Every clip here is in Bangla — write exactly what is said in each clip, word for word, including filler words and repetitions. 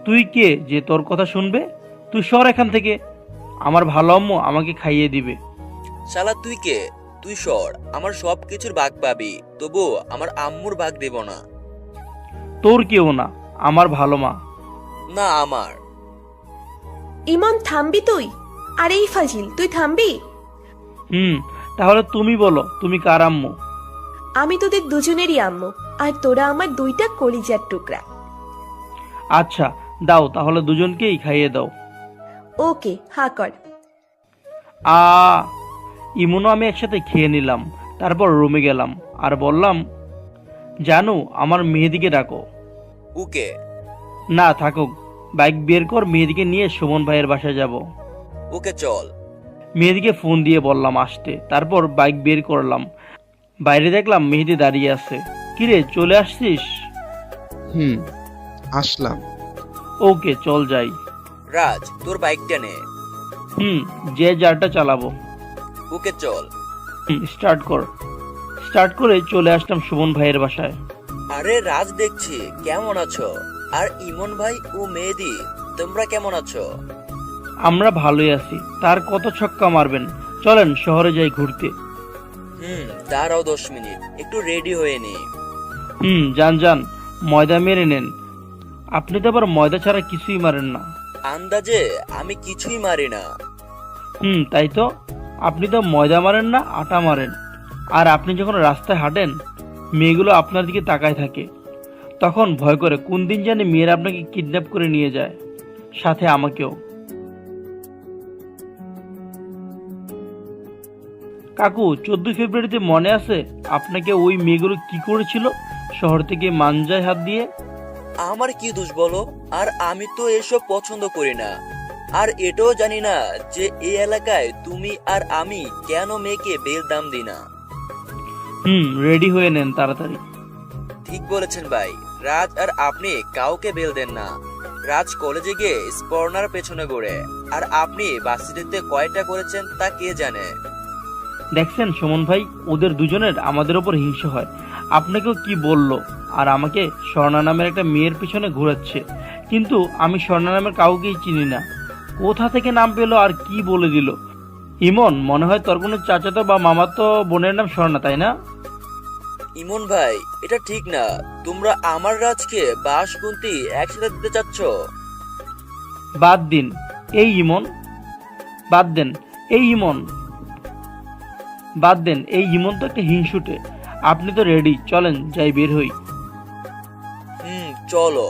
তুই কে যে তোর কথা শুনবে? তুই সর এখান থেকে। আমার ভালো আম্মু আমাকে খাইয়ে দিবে। শালা তুই কে? তুই সর, আমার সব কিছুর ভাগ পাবি, তবু আমার আম্মুর ভাগ দেব না। তোর কেউ না, আমার ভালো মা। না আমার। ইমন থামবি তুই? আর এই ফাজিল, তুই থামবি? হুম, তাহলে তুমি বলো তুমি কার আম্মু? আমি তোদের দুজনেরই আম্মু, আর তোরা আমার দুইটা কলিজার টুকরা। আচ্ছা দাও, তাহলে দুজনকেই খাইয়ে দাও। ওকে, হা কর। আ ইমনও আমি একসাথে খেয়ে নিলাম। তারপর রুমে গেলাম আর বললাম, জানো আমার মেহেদিকে ডাকো। ওকে। না থাকুক, বাইক বের কর, মেহেদিকে নিয়ে সুমন ভাইয়ের বাসায় যাব। ওকে চল। মেহেদিকে ফোন দিয়ে বললাম আসতে। তারপর বাইক বের করলাম। বাইরে দেখলাম মেহেদি দাঁড়িয়ে আছে। কিরে চলে আসছিস? হুম, আসলাম। ওকে চল যাই। রাজ তোর বাইকটা নে। হুম, যে যারটা চালাবো। ওকে চল। হুম, স্টার্ট কর। স্টার্ট করে চলে আসলাম সুমন ভাইয়ের বাসায়। আরে রাজ দেখছি, কেমন আছো? আর ইমন ভাই ও মেহেদি, তোমরা কেমন আছো? আমরা ভালোই আছি। তার কত ছক্কা মারবেন, চলেন শহরে যাই ঘুরতে। হুম, দাঁড়াও দশ মিনিট, একটু রেডি হয়ে নি। হুম, যান যান, ময়দা মেরে নেন। আপনি তো আবার ময়দা ছাড়া কিছুই মারেন না। আন্দাজে আমি কিছুই মারি না। হুম, তাই তো। আপনি তো ময়দা মারেন না, আটা মারেন। আর আপনি যখন রাস্তায় হাঁটেন, মেয়েগুলো আপনার দিকে তাকায় থাকে। তখন ভয় করে কোন দিন জানি মেয়েরা আপনাকে কিডন্যাপ করে নিয়ে যায়, সাথে আমাকেও। কাকু, চোদ্দই ফেব্রুয়ারিতে মনে আছে আপনাকে ওই মেয়েগুলো কি করেছিল শহর থেকে মাঞ্জায় হাত দিয়ে? আমার কি দোষ বলো? আর আমি তো এসব পছন্দ করি না। আর এটাও জানি না যে এই এলাকায় তুমি আর আমি কেন মেয়েকে বেল দাম দিই না। হুম, রেডি হয়ে নেন তাড়াতাড়ি। ঠিক বলেছেন ভাই, রাজ আর আপনি কাউকে বেল দেন না। রাজ কলেজে গিয়ে স্পর্নার পেছনে ঘোরে, আর আপনি বাসিটিতে কয়টা করেছেন তা কে জানে। দেখছেন সুমন ভাই, ওদের দুজনের আমাদের ওপর হিংসা হয়। আপনাকেও কি বললো, আর আমাকে স্বর্ণা নামের একটা মেয়ের পিছনে ঘোরাচ্ছে। কিন্তু আমি স্বর্ণা নামের কাউকেই চিনি না। কোথা থেকে নাম পেলো আর কি বলে দিল? ইমন, মনে হয় তোর কোনো চাচাতো বা মামাতো বোনের নাম স্বর্ণা, তাই না? ইমন ভাই, এটা ঠিক না। তোমরা আমার রাজকে বাসকুন্তি একসাথে দিতে চাচ্ছ। বাদ দিন এই ইমন, বাদ দেন এই ইমন, বাদ দেন এই ইমন তো একটা হিংসুটে। আপনি তো রেডি, চলেন যাই, বের হই। হুম, চলো।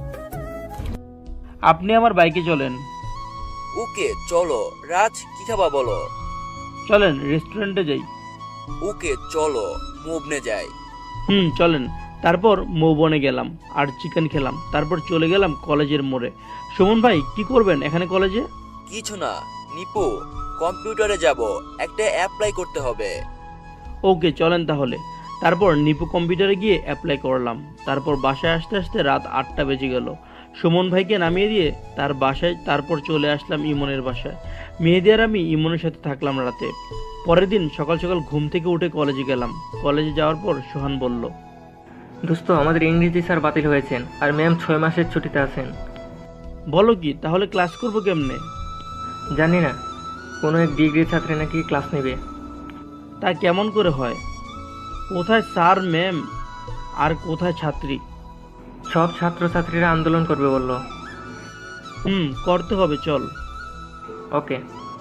আপনি আমার বাইকে চলেন। ওকে চলো। রাজ কি খাবা বলো? চলেন রেস্টুরেন্টে যাই। ওকে চলো, মুভনে যাই। হুম, চলেন। তারপর মৌবনে গেলাম আর চিকেন খেলাম। তারপর চলে গেলাম কলেজের মোড়ে। সুমন ভাই, কি করবেন এখানে কলেজে? কিছু না নিপু, কম্পিউটারে যাব, একটা অ্যাপ্লাই করতে হবে। ওকে চলেন তাহলে। তারপর নিপু কম্পিউটারে গিয়ে অ্যাপ্লাই করলাম। তারপর বাসায় আসতে আসতে রাত আটটা বেজে গেল। সুমন ভাইকে নামিয়ে দিয়ে তার বাসায়, তারপর চলে আসলাম ইমনের বাসায়। মেহেদি আর আমি ইমনের সাথে থাকলাম রাতে। পরের দিন সকাল সকাল ঘুম থেকে উঠে কলেজে গেলাম। কলেজে যাওয়ার পর সোহান বলল, দোস্ত, আমাদের ইংরেজি স্যার বাতিল হয়েছেন আর ম্যাম ছয় মাসের ছুটিতে আছেন। বলো কি, তাহলে ক্লাস করবো কেমনে? জানি না, কোনো এক ডিগ্রি ছাত্রী নাকি ক্লাস নেবে। তা কেমন করে হয়? কোথায় স্যার ম্যাম আর কোথায় ছাত্রী? সব ছাত্রছাত্রীরা আন্দোলন করবে বলল। হুম, করতে হবে, চল। ওকে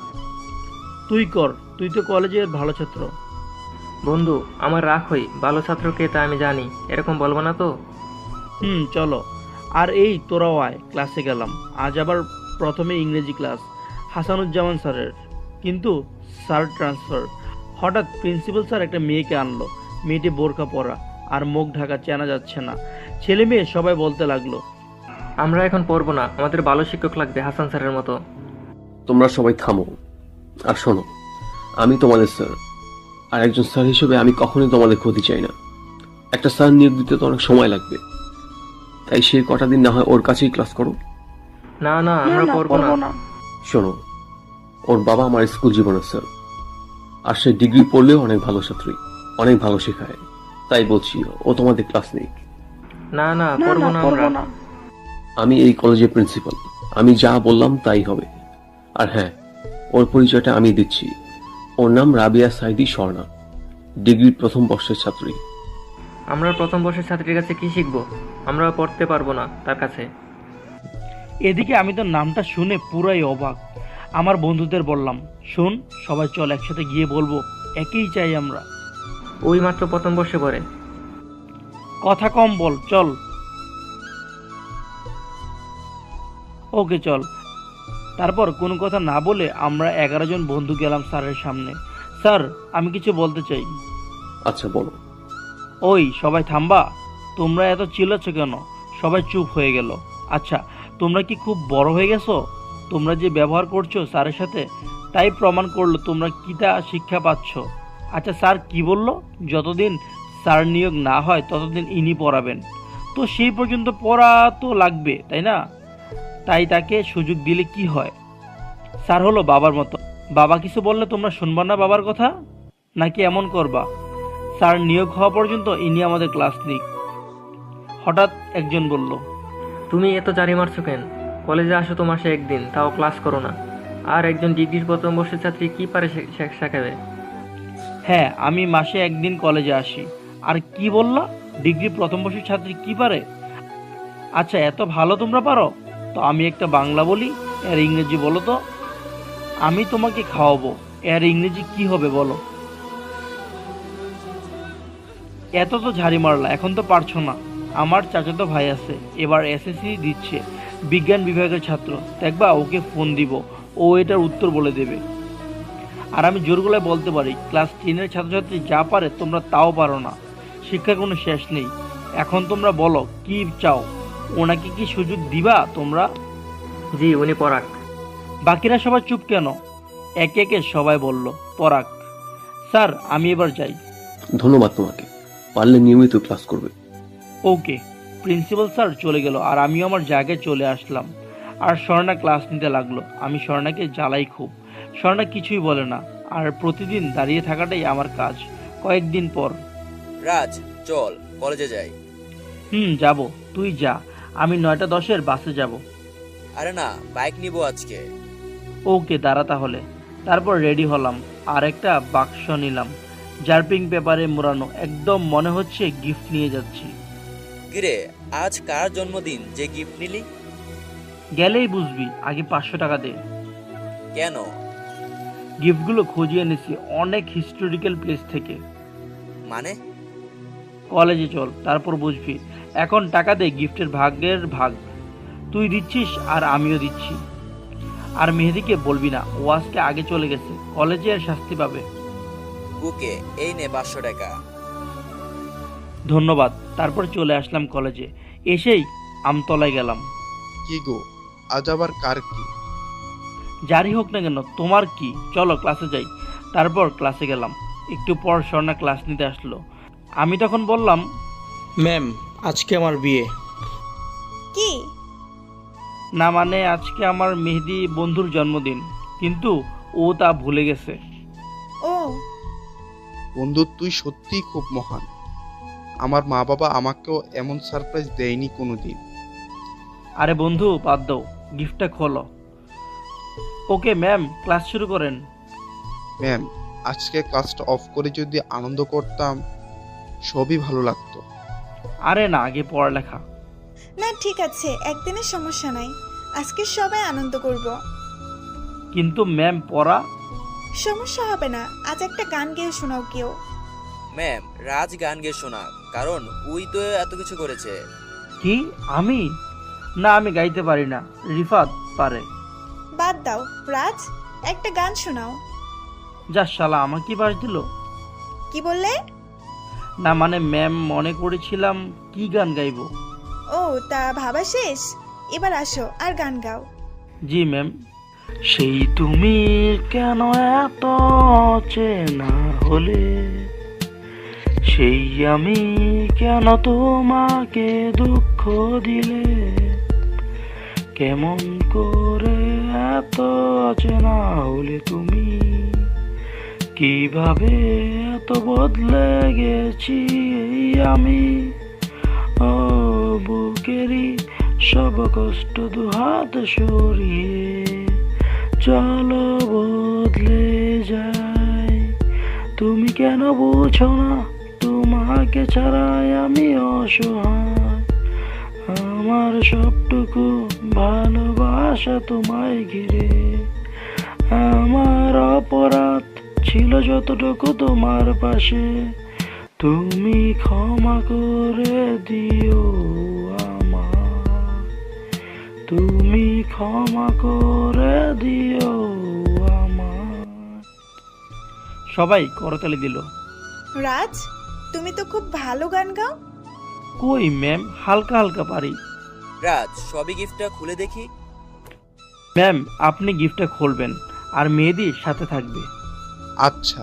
তুই কর, তুই তো কলেজের ভালো ছাত্র। বন্ধু, আমার রাগ হই, ভালো ছাত্রকে তা আমি জানি, এরকম বলবো না তো। হুম, চলো। আর এই তোরাও আয়, ক্লাসে গেলাম। আজ আবার প্রথমে ইংরেজি ক্লাস হাসানুজ্জামান স্যারের, কিন্তু স্যার ট্রান্সফার। হঠাৎ প্রিন্সিপাল স্যার একটা মেয়েকে আনলো। মেয়েটি বোরকা পরা আর মুখ ঢাকা, চেনা যাচ্ছে না। ছেলে মেয়ে সবাই বলতে লাগলো, আমরা এখন পড়বো না, আমাদের ভালো শিক্ষক লাগবে হাসান স্যারের মতো। তোমরা সবাই থামো আর শোনো, আমি তোমাদের স্যার, আর একজন স্যার হিসেবে আমি কখনোই তোমাদের ক্ষতি চাই না। একটা স্যার নিয়োগ দিতে তো অনেক সময় লাগবে, তাই সেই কটা দিন না হয় ওর কাছেই ক্লাস করো। না না, আমরা পড়বো না। শোনো, ওর বাবা আমার স্কুল জীবনের স্যার, আর সে ডিগ্রি পড়লেও অনেক ভালো ছাত্রী, অনেক ভালো শেখায়। তাই বলছি ও তোমাদের ক্লাস নেই। না না, পড়বো না আমরা। আমি এই কলেজের প্রিন্সিপাল। আমি যা বললাম তাই হবে। আর হ্যাঁ, ওর পরিচয়টা আমি দিচ্ছি। ওর নাম রাবিয়া সাইদি স্বর্ণা, ডিগ্রির প্রথম বর্ষের ছাত্রী। আমরা প্রথম বর্ষের ছাত্রীর কাছে কি শিখবো? আমরা পড়তে পারবো না তার কাছে। এদিকে আমি তো নামটা শুনে পুরাই অবাক। আমার বন্ধুদের বললাম, শোন সবাই চল একসাথে গিয়ে বলবো, একেই চাই আমরা। ওই মাত্র প্রথম বর্ষে পড়ে। কথা কম বল, চল। ওকে চল। তারপর কোনো কথা না বলে আমরা এগারো জন বন্ধু গেলাম স্যারের সামনে। স্যার, আমি কিছু বলতে চাই। আচ্ছা বলো। ওই সবাই থামবা। তোমরা এত চিল্লাচ্ছ কেন? সবাই চুপ হয়ে গেল। আচ্ছা, তোমরা কি খুব বড় হয়ে গেছো? তোমরা যে ব্যবহার করছো স্যারের সাথে, তাই প্রমাণ করলো তোমরা কিটা শিক্ষা পাচ্ছ। আচ্ছা, স্যার কি বললো? যতদিন স্যার নিয়োগ না হয় ততদিন ইনি পড়াবেন। তো সেই পর্যন্ত পড়া তো লাগবে, তাই না? তাই তাকে সুযোগ দিলে কি হয়? স্যার হলো বাবার মতো। বাবা কিছু বললে তোমরা শুনবা না বাবার কথা? নাকি এমন করবা, স্যার নিয়োগ হওয়া পর্যন্ত ইনি আমাদের ক্লাস নিক? হঠাৎ একজন বলল, তুমি এত জারি মারছো কেন? কলেজে আসো তো মাসে একদিন, তাও ক্লাস করো না। আর একজন ডিগ্রির প্রথম বর্ষের ছাত্রী কি পারে শে- শে- শেখাবে? হ্যাঁ আমি মাসে একদিন কলেজে আসি। আর কি বললা, ডিগ্রি প্রথম বর্ষের ছাত্রী কি পারে? আচ্ছা, এত ভালো তোমরা পারো তো আমি একটা বাংলা বলি, এর ইংরেজি বলো তো। আমি তোমাকে খাওয়াবো, এর ইংরেজি কি হবে বলো? এত তো ঝাড়ি মারলা, এখন তো পারছো না। আমার চাচাতো ভাই আছে, এবার এসএসসি দিচ্ছে, বিজ্ঞান বিভাগের ছাত্র। দেখবা ওকে ফোন দিব, ও এটার উত্তর বলে দেবে। আর আমি জোর গলায় বলতে পারি, ক্লাস টেনের ছাত্রছাত্রী যা পারে তোমরা তাও পারো না। শিক্ষার কোনো শেষ নেই। এখন তোমরা বলো কি চাও? ওনাকে কি সুযোগ দিবা তোমরা? জি, উনি পড়াক। বাকিরা সবাই চুপ কেন? একে একে সবাই বলল, পরাগ। স্যার আমি এবার যাই। ধন্যবাদ তোমাকে। পারলে নিয়মিত ক্লাস করবে। ওকে। প্রিন্সিপাল স্যার চলে গেল আর আমিও আমার জায়গায় চলে আসলাম। আর স্বর্ণা ক্লাস নিতে লাগলো। আমি স্বর্ণাকে জ্বালাই খুব। স্বর্ণা কিছুই বলে না, আর প্রতিদিন দাঁড়িয়ে থাকাটাই আমার কাজ। কয়েকদিন পর, রাজ, চল কলেজে যাই। হুম যাব, তুই যা, আমি নয়টা দশের বাসে যাব। আরে না, বাইক নিবো আজকে। ওকে দাঁড়া তাহলে। তারপর রেডি হলাম আর একটা বাক্স নিলাম, জার্পিং পেপারে মোড়ানো, একদম মনে হচ্ছে গিফট নিয়ে যাচ্ছি। কিরে, আজ কার জন্মদিন যে গিফট নিলি? গেলেই বুঝবি, আগে পাঁচশো টাকা দে। কেন? গিফটগুলো খুঁজিয়ে এনেছি অনেক হিস্টোরিক্যাল প্লেস থেকে। মানে? কলেজে চল, তারপর বুঝবি। এখন টাকা দে, গিফটের ভাগের ভাগ তুই দিচ্ছিস আর আমিও দিচ্ছি। আর মেহেদিকে বলবি না, ও আজকে আগে চলে গেছে, কলেজে আর শাস্তি পাবে। ওকে, এই নে পাঁচশো টাকা। ধন্যবাদ। তারপর চলে আসলাম কলেজে। এসেই আমতলায় গেলাম। কি গো, আজ আবার কার কি? যারই হোক না কেন, তোমার কি? চলো ক্লাসে যাই। তারপর ক্লাসে গেলাম। একটু পর স্বর্ণা ক্লাস নিতে আসলো। আমি তখন বললাম, ম্যাম আজকে আমার বিয়ে। কি? না মানে আজকে আমার মেহেদি বন্ধুর জন্মদিন, কিন্তু ও তা ভুলে গেছে। ও, বন্ধু, তুই সত্যিই খুব মহান। আমার মা বাবা আমাকেও এমন সারপ্রাইজ দেয়নি কোনোদিন। আরে বন্ধু বাদ দাও, গিফটটা খোলো। ওকে ম্যাম, ক্লাস শুরু করেন। ম্যাম, আজকে ক্লাসটা অফ করে যদি আনন্দ করতাম সবই ভালো লাগতো। আরে না, আগে পড়ালেখা। না ঠিক আছে, একদিনের সমস্যা নাই। আজকে সবাই আনন্দ করব। কিন্তু ম্যাম পড়া। সমস্যা হবে না, আজ একটা গান গেয়ে শোনাও কেউ। ম্যাম, রাজ গান গেয়ে শোনা, কারণ ওই তো এত কিছু করেছে। কি আমি? না আমি গাইতে পারি না, রিফাত পারে। বাদ দাও রাজ, একটা গান শোনাও। যা শালা, আমাকে বাস দিল। কি বললে? না মানে ম্যাম, মনে করেছিলাম কি গান গাইবো। ও, তা ভাবা শেষ? এবার আসো আর গান গাও। জি ম্যাম। সেই তুমি কেন এত চেনা হলে, সেই আমি কেন তোমাকে দুঃখ দিলে, কেমন করে এত চেনা হলে তুমি, কিভাবে এত বদলে গেছি এই আমি। ও বুকেরই সব কষ্ট দুহাত সরিয়ে চলো বদলে যায়। তুমি কেন বুঝো না তোমাকে ছাড়াই আমি অসহায়, আমার সবটুকু ভালোবাসা তোমায় ঘিরে। আমার অপরাধ ছিল যতটুকু তোমার পাশে, তুমি ক্ষমা করে দিও আমায়, তুমি ক্ষমা করে দিও আমায়। সবাই করতালি দিল। রাজ, তুমি তো খুব ভালো গান গাও। কই ম্যাম, হালকা হালকা পারি। রাজ, সবই গিফটটা খুলে দেখি। ম্যাম, আপনি গিফটটা খুলবেন আর মেহেদি সাথে থাকবে। আচ্ছা।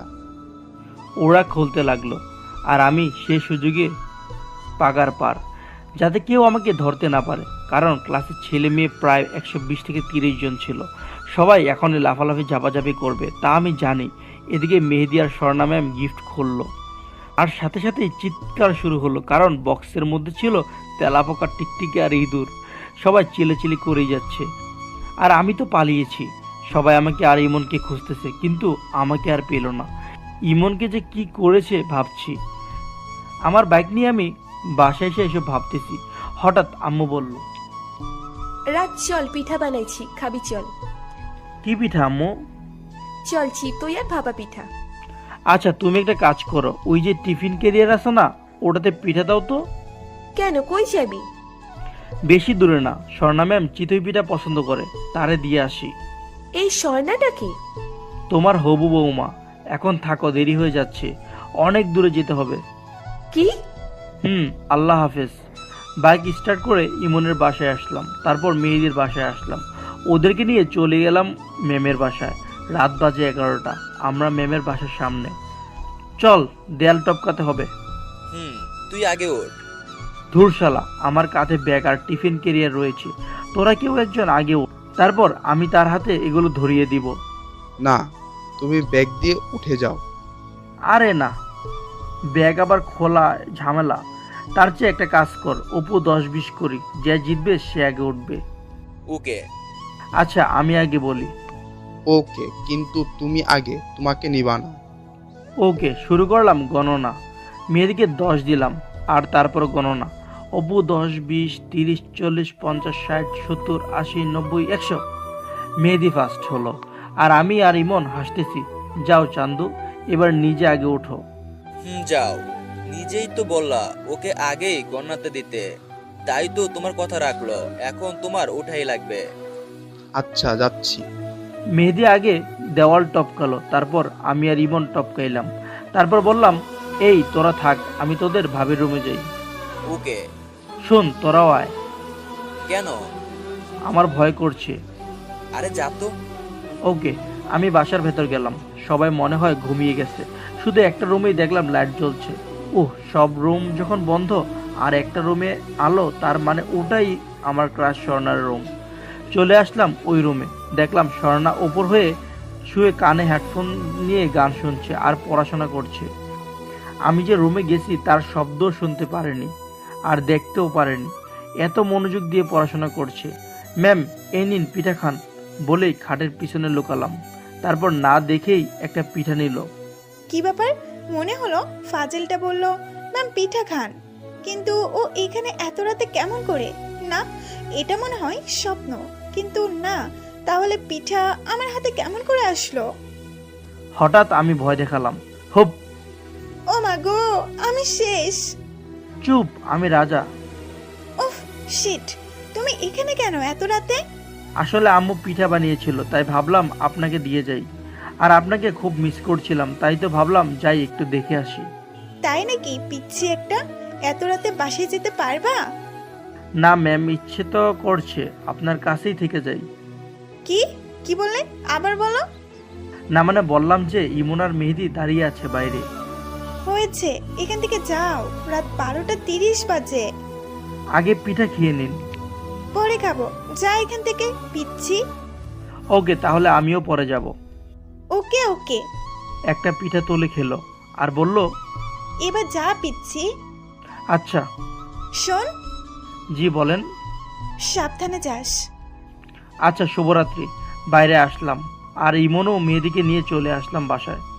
ওরা খুলতে লাগলো আর আমি সে সুযোগে পাগার পার, যাতে কেউ আমাকে ধরতে না পারে, কারণ ক্লাসের ছেলে মেয়ে প্রায় একশো বিশ থেকে তিরিশ জন ছিল। সবাই এখনই লাফালাফি ঝাপাঝাপি করবে তা আমি জানি। এদিকে মেহেদি আর স্বর্ণা ম্যাম গিফট খুললো আর সাথে সাথেই চিৎকার শুরু হলো, কারণ বক্সের মধ্যে ছিল তেলাপোকা, টিকটিকি আর ইঁদুর। সবাই চিলেচিলি করেই যাচ্ছে আর আমি তো পালিয়েছি। সবাই আমাকে আর ইমনকে খুঁজতেছে, কিন্তু আমাকে আর পেল না। ইমনকে যে কি করেছে ভাবছি। আমার বাইক নিয়ে আমি বাসায় এসে এসব ভাবতেছি, হঠাৎ আম্মু বলল, রাত চল, পিঠা বানাইছি, খাবি চল। কি পিঠা আম্মু? চল চিতই আর ভাপা পিঠা। আচ্ছা তুমি একটা কাজ করো, ওই যে টিফিন ক্যারিয়ার আছে না, ওটাতে পিঠা দাও তো। কেন, কই যাবি? বেশি দূরে না, স্বর্ণা ম্যাম চিতই পিঠা পছন্দ করে, তারে দিয়ে আসি। এই স্বর্ণাটা কি? তোমার হবু বৌমা। এখন থাকো, দেরি হয়ে যাচ্ছে, অনেক দূরে যেতে হবে। কি? হুম, আল্লাহ হাফেজ। বাইক স্টার্ট করে ইমনের বাসায় আসলাম, তারপর মেহেদির বাসায় আসলাম। ওদেরকে নিয়ে চলে গেলাম ম্যামের বাসায়। রাত বাজে এগারোটা। আমরা ম্যামের বাসার সামনে। চল, দেয়াল টপকাতে হবে। হুম, তুই আগে ওঠ। ধুরশালা, আমার কাঁধে ব্যাগ আর টিফিন ক্যারিয়ার রয়েছে, তোরা কেউ একজন আগে ওঠ, তারপর আমি তার হাতে এগুলো ধরিয়ে দিব। না, তুমি ব্যাগ দিয়ে উঠে যাও। আরে না, ব্যাগ আবার খোলা ঝামেলা। তার চেয়ে একটা কাজ কর, অপু দশ বিশ করি, যে জিতবে সে আগে উঠবে। ওকে। আচ্ছা আমি আগে বলি। ওকে, কিন্তু তুমি আগে, তোমাকে নিবা না। ওকে, শুরু করলাম গণনা। মেয়েদিকে দশ দিলাম আর তারপর গণনা। অপু দশ, বিশ, তিরিশ, চল্লিশ, পঞ্চাশ, ষাট, সত্তর, আশি, নব্বই, একশো। মেহেদি ফার্স্ট হলো আর আমি আর ইমন হাসতেছি। যাও চান্দু, এবার নিজে আগে ওঠো। হুম, যাও। নিজেই তো বললা ওকে আগেই গণনাতে দিতে, তাই তো তোমার কথা রাখলো। এখন তোমার ওঠাই লাগবে। আচ্ছা, যাচ্ছি। মেহেদি আগে দেওয়াল টপকালো, তারপর আমি আর ইমন টপকাইলাম। তারপর বললাম, এই তোরা থাক, আমি তোদের ভাবির রুমে যাই। ওকে। শোন, তোরাও আয়। কেন? আমার ভয় করছে। আরে যা তো। ওকে, আমি বাসার ভেতর গেলাম। সবাই মনে হয় ঘুমিয়ে গেছে, শুধু একটা রুমেই দেখলাম লাইট জ্বলছে। ওহ, সব রুম যখন বন্ধ আর একটা রুমে আলো, তার মানে ওটাই আমার ক্রাশ স্বর্ণার রুম। চলে আসলাম ওই রুমে, দেখলাম স্বর্ণা ওপর হয়ে শুয়ে কানে হেডফোন নিয়ে গান শুনছে আর পড়াশোনা করছে। আমি যে রুমে গেছি তার শব্দও শুনতে পারেনি আর দেখতেও পারেনি, এত মনোযোগ দিয়ে পড়াশোনা করছে। ম্যাম, এই নিন পিঠা খান বলেই খাটের পিছনে লুকালাম। তারপর না দেখেই একটা পিঠা নিল। কি ব্যাপার? মনে হলো ফাজিলটা বলল ম্যাম পিঠা খান, কিন্তু ও এখানে এত রাতে কেমন করে? না, এটা মনে হয় স্বপ্ন। কিন্তু না, তাহলে পিঠা আমার হাতে কেমন করে আসলো? হঠাৎ আমি ভয় দেখালাম। হোপ! ও মা গো, আমি শেষ। চুপ, আমি রাজা। উফ, শিট, তুমি এখানে কেন এত রাতে? আসলে আম্মু পিঠা বানিয়েছিল, তাই ভাবলাম আপনাকে দিয়ে যাই। আর আপনাকে খুব মিস করছিলাম, তাই তো ভাবলাম যাই একটু দেখে আসি। তাই নাকি? পিচ্ছি একটা, এত রাতে বাসায় যেতে পারবা? না ম্যাম, ইচ্ছে তো করছে আপনার কাছেই থেকে যাই। কি কি বললে? আবার বলো। না মানে বললাম যে ইমন আর মেহেদি দাঁড়িয়ে আছে বাইরে। হয়েছে, এখান থেকে যাও, রাত বারোটা তিরিশ বাজে। আগে পিঠা খেয়ে নিন। পরে খাবো, যা এখান থেকে পিচ্ছি। ওকে, তাহলে আমিও পরে যাব। ওকে ওকে। একটা পিঠা তুলে খেলো আর বলল, এবার যা পিচ্ছি। আচ্ছা। শোন। জি বলেন। সাবধানে যাস। আচ্ছা, শুভরাত্রি। বাইরে আসলাম আর ইমনও মেয়েদিকে নিয়ে চলে আসলাম বাসায়।